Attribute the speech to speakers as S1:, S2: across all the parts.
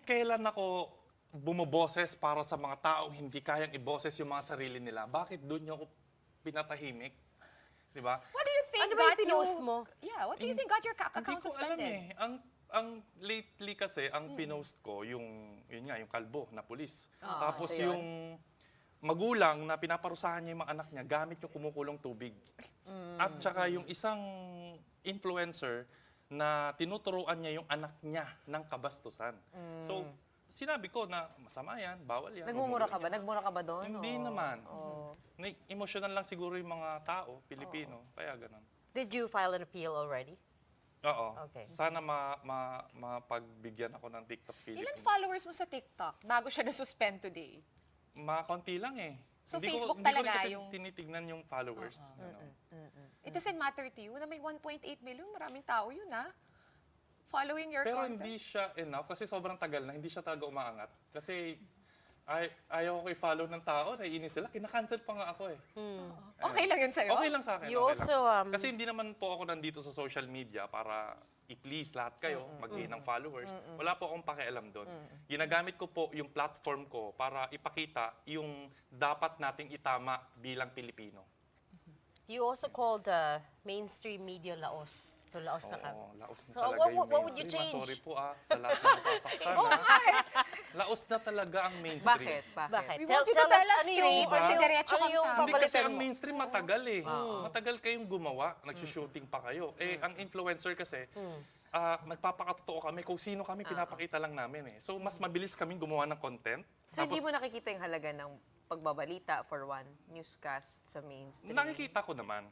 S1: kailan ako bumoboses para sa mga tao hindi kayang iboses yung mga sarili nila, bakit doon niyo ako pinatahimik? Di ba?
S2: What do you think
S3: Ano ba yung pinost mo?
S2: Yeah, what do you think got your
S1: Hindi
S2: account
S1: ko alam
S2: suspended?
S1: Ang lately kasi, ang pinost ko, yun nga, yung kalbo na pulis. Tapos
S3: so yun.
S1: yung magulang na pinaparusahan niya yung mga anak niya gamit yung kumukulong tubig. At saka yung isang influencer na tinuturuan niya yung anak niya ng kabastusan. So, sinabi ko na masama yan, bawal yan.
S3: Nagmumura
S1: huwag
S3: ka
S1: mo
S3: ba?
S1: yan.
S3: Nagmura ka ba doon?
S1: Hindi
S3: o-
S1: naman.
S3: o-
S1: Emotional lang siguro yung mga tao, Pilipino. Kaya ganun.
S4: Did you file an appeal already?
S1: Oo.
S4: Okay.
S1: Sana mapagbigyan ako ng TikTok
S2: Ilan
S1: Philippines.
S2: followers mo sa TikTok bago siya na-suspend today?
S1: Konti lang eh.
S2: So,
S1: Hindi
S2: Facebook
S1: hindi
S2: talaga
S1: ko rin kasi
S2: yung-
S1: tinitignan yung followers.
S2: It doesn't matter to you na may 1.8 million, maraming tao yun following your
S1: Pero
S2: content.
S1: hindi siya enough kasi sobrang tagal na, hindi siya talaga umaangat. Kasi ayaw ko i-follow ng tao, naiinis sila, kinakancel pa nga ako eh.
S2: Okay lang yun sa'yo?
S1: Okay lang sa akin.
S4: You
S1: okay
S4: also,
S1: lang. Kasi hindi naman po ako nandito sa social media para i-please lahat kayo, mag-gain ng followers. Wala po akong pakialam doon. Ginagamit ko po yung platform ko para ipakita yung dapat nating itama bilang Pilipino.
S4: you also called mainstream media laos. So laos na ka.
S1: Oo, laos na
S4: So,
S1: talaga
S4: what
S1: yung
S4: would you
S1: mainstream.
S4: change?
S1: Sorry po sa lahat na nasasaktan. Laos na talaga ang mainstream.
S3: Bakit?
S4: Bakit?
S2: We want you to tell us
S4: ano
S2: straight
S4: yung,
S2: kasi diretso
S4: ano
S2: kang
S4: yung
S2: tao.
S1: Hindi kasi
S4: papalitan
S1: ang
S4: mo?
S1: mainstream matagal eh. Matagal kayong gumawa, nagsushooting pa kayo. Eh, ang influencer kasi, nagpapakatotoo kami kung sino kami, pinapakita lang namin eh. So, mas mabilis kaming gumawa ng content.
S3: So, hindi mo nakikita yung halaga ng pagbabalita for one, newscast sa mainstream?
S1: Nakikita ko naman.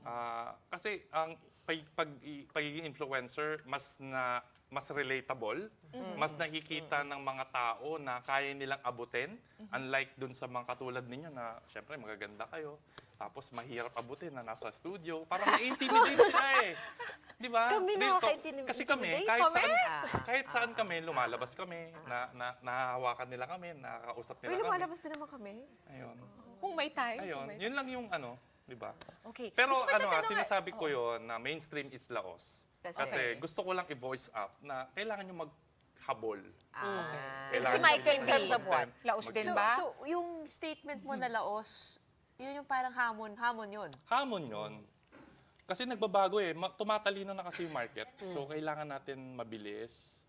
S1: Kasi ang pagiging influencer, mas relatable, mas nakikita ng mga tao na kaya nilang abutin. Unlike dun sa mga katulad ninyo na, syempre, magaganda kayo. Tapos mahirap abutin na nasa studio. Parang na-intimidate sila eh. Di ba?
S4: Kami
S1: Dito,
S4: nakaka-intimidate
S1: kasi kami, kahit saan kami, lumalabas kami, nahahawakan nila kami, nakakausap nila
S3: Uy,
S1: kami.
S3: lumalabas din naman kami.
S1: Ayun.
S2: Kung may time.
S1: Ayun, yun lang yung di ba?
S2: Okay.
S1: Pero
S2: Gusto ko tatanungin-
S1: sinasabi ko yon na mainstream is laos. Kasi
S3: Okay.
S1: gusto ko lang i-voice up na kailangan nyo maghabol.
S2: Si Michael
S4: In terms
S2: V.
S4: of what?
S2: Laos din
S3: So,
S2: ba?
S3: so, yung statement mo na laos, yun yung parang hamon yun.
S1: Hamon yon. Kasi nagbabago eh. Tumatalino na kasi yung market. So kailangan natin mabilis.